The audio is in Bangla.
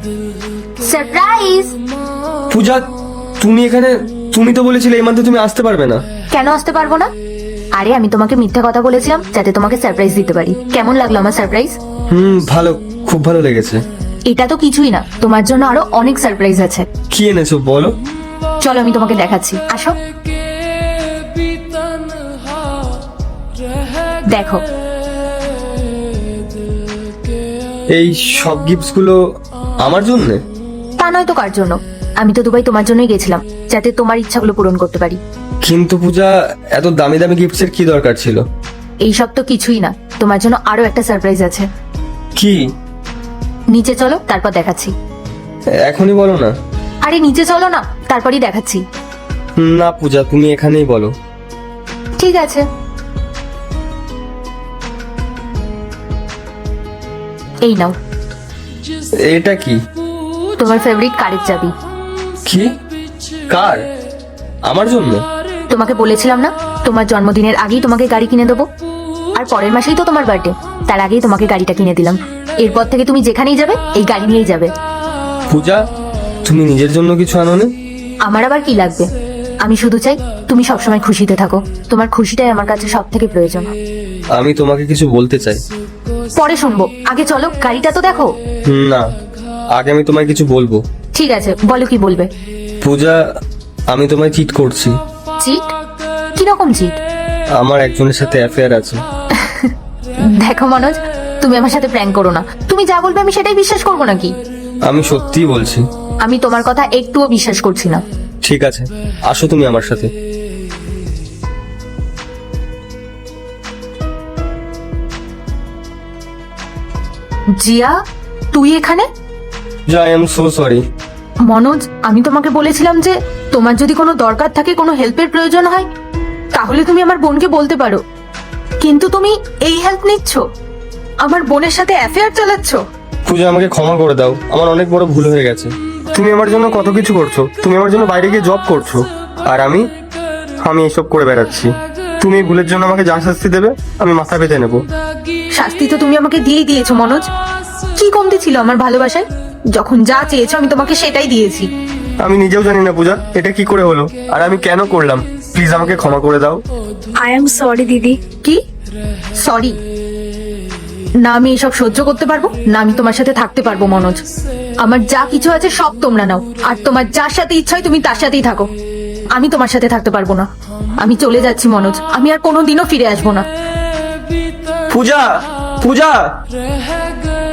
সারপ্রাইজ। পূজা, তুমি এখানে? তুমি তো বলেছিলে এই মান্থে তুমি আসতে পারবে না। কেন আসতে পারবো না? আরে আমি তোমাকে মিথ্যা কথা বলেছিলাম যাতে তোমাকে সারপ্রাইজ দিতে পারি। কেমন লাগলো আমার সারপ্রাইজ? ভালো, খুব ভালো লেগেছে। এটা তো কিছুই না, তোমার জন্য আরো অনেক সারপ্রাইজ আছে। কি এনেছো বলো? চলো আমি তোমাকে দেখাচ্ছি, আসো। দেখো, এই সব গিফটস গুলো আমার জন্য? তা নয় তো কার জন্য? আমি তো দুবাই তোমার জন্যই গেছিলাম, যাতে তোমার ইচ্ছাগুলো পূরণ করতে পারি। কিন্তু পূজা, এত দামি দামি গিফটস এর কি দরকার ছিল? এইসব তো কিছুই না, তোমার জন্য আরো একটা সারপ্রাইজ আছে। কি? নিচে চলো, তারপর দেখাচ্ছি। এখনই বলো না। আরে নিচে চলো না, তারপরই দেখাচ্ছি। না পূজা, তুমি এখানেই বলো। ঠিক আছে। এই নাও, এটা কি? তোমার ফেভারিট কারের চাবি। কি? কার? আমার জন্য? তোমাকে বলেছিলাম না, তোমার জন্মদিনের আগেই তোমাকে গাড়ি কিনে দেবো। আর পরের মাসেই তো তোমার বার্থডে, তার আগেই তোমাকে গাড়িটা কিনে দিলাম। এরপর থেকে তুমি যেখানেই যাবে এই গাড়ি নিয়েই যাবে। পূজা, তুমি নিজের জন্য কিছু আনোনি? আমার আবার কি লাগবে? আমি শুধু চাই তুমি সবসময় খুশিতে থাকো। তোমার খুশিটাই আমার কাছে সব থেকে প্রয়োজন। আমি তোমাকে কিছু বলতে চাই। পরে শুনবো, আগে চলো গাড়িটা তো দেখো। না, আগে আমি তোমায় কিছু বলবো। ঠিক আছে, বলো কি বলবে। পূজা, আমি তোমায় চিট করছি। চিট? কিরকম চিট? আমার একজনের সাথে অ্যাফেয়ার আছে। দেখো মনোজ, তুমি আমার সাথে প্র্যাঙ্ক করো না। তুমি যা বলবে আমি সেটাই বিশ্বাস করবো নাকি? আমি সত্যিই বলছি। আমি তোমার কথা একটুও বিশ্বাস করছি না। ঠিক আছে, আসো তুমি আমার সাথে। জিয়া, তুই এখানে? I am so sorry. Manoj, আমি তোমাকে বলেছিলাম যে তোমার যদি কোনো দরকার থাকে, কোনো হেল্পের প্রয়োজন হয়, তাহলে তুমি আমার বোনকে বলতে পারো। কিন্তু তুমি এই হেল্প নিচ্ছ, আমার বোনের সাথে অ্যাফেয়ার চালাচ্ছ। পূজা, আমাকে ক্ষমা করে দাও, আমার অনেক বড় ভুল হয়ে গেছে। তুমি আমার জন্য কত কিছু করছো, তুমি আমার জন্য বাইরে গিয়ে জব করছো, আর আমি এসব করে বেড়াচ্ছি। তুমি এই ভুলের জন্য আমাকে যা শাস্তি দেবে আমি মাথা পেতে নেবো। শাস্তি তো তুমি আমাকে দিয়েই দিয়েছো মনোজ। কি কমতি ছিল আমার ভালোবাসায়? যখন যা চেয়েছো আমি তোমাকে সেটাই দিয়েছি। আমি নিজেও জানি না পূজা, এটা কি করে হলো আর আমি কেন করলাম। প্লিজ আমাকে ক্ষমা করে দাও। আই এম সরি দিদি। কি সরি? না আমি এসব সহ্য করতে পারবো, না আমি তোমার সাথে থাকতে পারবো মনোজ। আমার যা কিছু আছে সব তোমরা নাও, আর তোমার যার সাথে ইচ্ছা হয় তুমি তার সাথেই থাকো। আমি তোমার সাথে থাকতে পারবো না। আমি চলে যাচ্ছি মনোজ, আমি আর কোনোদিনও ফিরে আসবো না। পূজা, পূজা।